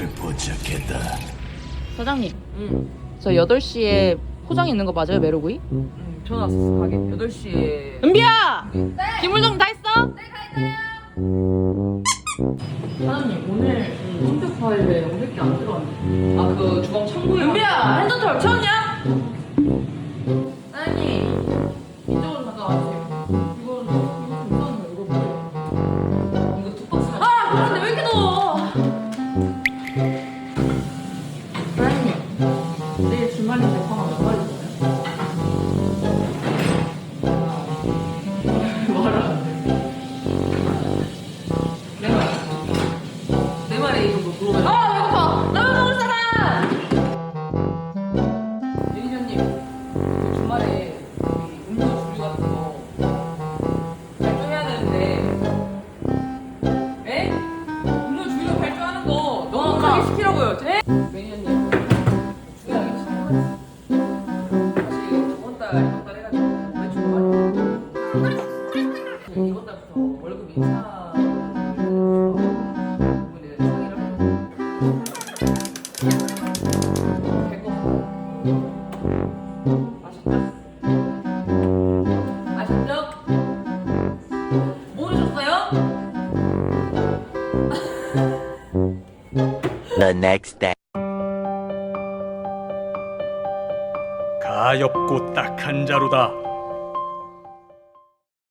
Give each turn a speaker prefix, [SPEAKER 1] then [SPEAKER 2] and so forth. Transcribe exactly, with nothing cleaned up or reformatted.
[SPEAKER 1] 너를 포착했다.
[SPEAKER 2] 사장님,
[SPEAKER 3] 응,
[SPEAKER 2] 저 여덟 시에 포장 있는 거 맞아요, 메로구이?
[SPEAKER 3] 응, 전화 왔어. 가게 여덟 시에.
[SPEAKER 2] 은비야! 네! 김물동 다 했어? 네, 가있어요! 사장님, 오늘 컴퓨터 파일에 오백 개 안 들어왔네.
[SPEAKER 3] 아, 그 주방 창고에.
[SPEAKER 2] 은비야! 핸드털 채웠냐? 사장님, 이쪽으로 잠깐 와주세요. 이거, 이거 좀 이상한 거, 이거 뭐예요?
[SPEAKER 3] 이거 툭박스가.
[SPEAKER 2] 아! 그런데 왜 이렇게 더워? 사장님, 내일 주말인데 방학 몇 마리 있어요? 말을 안 해.
[SPEAKER 3] 네 마리. 네 마리 정도 들어오면.
[SPEAKER 2] 아, 배고파! 라면 먹을 사람!
[SPEAKER 3] 매니저님, 그 주말에 이 음료 주류 같은 거 발주해야 되는데. 에? 음료 주류 발주하는 거 너무 가게 시키라고요. 제- 매니저님, 주량이 참. 사실 저번 달, 이번 달 해가지고 매출 많이. 이번 달부터 월급 인사. 이번에 상의를 하고. 아셨죠? 아셨죠? 모르셨어요?
[SPEAKER 1] The next day.
[SPEAKER 4] 가엾고 딱한 자루다.